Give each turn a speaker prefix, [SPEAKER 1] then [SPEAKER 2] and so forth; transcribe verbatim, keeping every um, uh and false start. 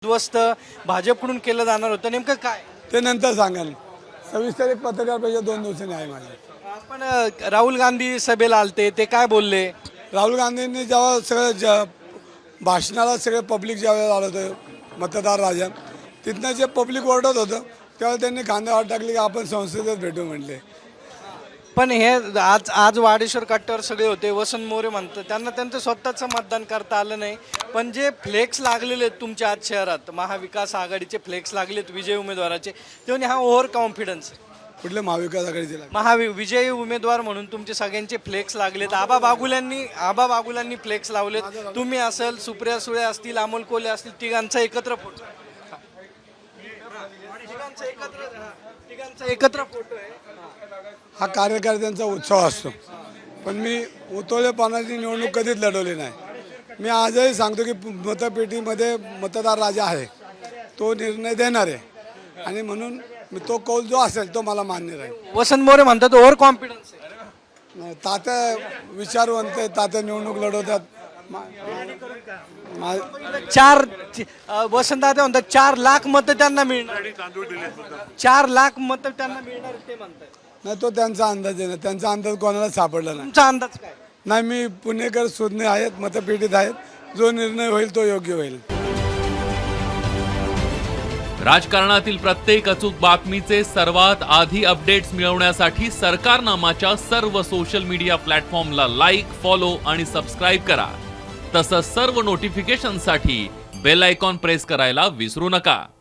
[SPEAKER 1] उद्ध्वस्त भाजपकडून केलं जाणार होतं, नेमकं काय?
[SPEAKER 2] ते नंतर सांगाल. सविस्तर एक पत्रकार परिषद दोन दिवसांनी आहे माझी.
[SPEAKER 1] आपण अ, राहुल गांधी सभेला आलते, ते काय बोलले?
[SPEAKER 2] राहुल गांधींनी जेव्हा सगळं ज भाषणाला सगळे पब्लिक ज्यावेळेला आलं होतं मतदार राजा, तिथनं जे पब्लिक ओरडत होतं तेव्हा त्यांनी खांद्यावर टाकले की आपण संसदेत भेटू म्हणले.
[SPEAKER 1] पण हे आज आज वाडेश्वर कट्ट्यावर सगळे होते. वसंत मोरे म्हणतात त्यांना त्यांचं स्वतःचं मतदान करता आलं नाही, पण जे फ्लेक्स लागलेले आहेत तुमच्या आज शहरात, महाविकास आघाडीचे फ्लेक्स लागलेत विजयी उमेदवाराचे, तेव्हा हा ओव्हर कॉन्फिडन्स आहे.
[SPEAKER 2] कुठले महाविकास आघाडीचे लागले?
[SPEAKER 1] महावि विजयी उमेदवार म्हणून तुमचे सगळ्यांचे फ्लेक्स लागलेत. आबा बागुल्यांनी आबा बागुल्यांनी फ्लेक्स लावलेत. तुम्ही असेल, सुप्रिया सुळे असतील, अमोल कोल्हे असतील, तिघांचा एकत्र फोटो तिघांचा एकत्र तिघांचा एकत्र फोटो आहे.
[SPEAKER 2] हा कार्यकर्त्यांचा उत्सव असतो, पण मी उतोळेपणाची निवडणूक कधीच लढवली नाही. मी आजही सांगतो की मतपेटीमध्ये मतदार राजा आहे, तो निर्णय देणार आहे आणि म्हणून मी तो कौल जो असेल तो मला मान्य राहील.
[SPEAKER 1] वसंत मोरे म्हणतात ओव्हर कॉन्फिडन्स आहे.
[SPEAKER 2] तात्या विचारवंत आहे, तात्या निवडणूक लढवतात. मा- मा-
[SPEAKER 1] चार वसंत दादा म्हणतात चार लाख मतं त्यांना मिळणार, चार लाख मतं त्यांना मिळणार ते म्हणतात.
[SPEAKER 2] नाही, तो त्यांचा अंदाज आहे ना, त्यांचा अंदाज कोणाला सापडला नाही.
[SPEAKER 1] तुमचा अंदाज काय?
[SPEAKER 2] नाही, मी पुणेकर सुज्ञ आहेत, मतपेटीत आहेत, जो निर्णय होईल तो योग्य होईल.
[SPEAKER 3] राजकारणातील प्रत्येक अचूक बातमीचे सर्वात आधी अपडेट्स मिळवण्यासाठी सरकारनामाच्या सर्व सोशल मीडिया प्लॅटफॉर्मला लाईक, फॉलो आणि सबस्क्राईब करा. तसंच सर्व नोटिफिकेशनसाठी बेल आयकॉन प्रेस करायला विसरू नका.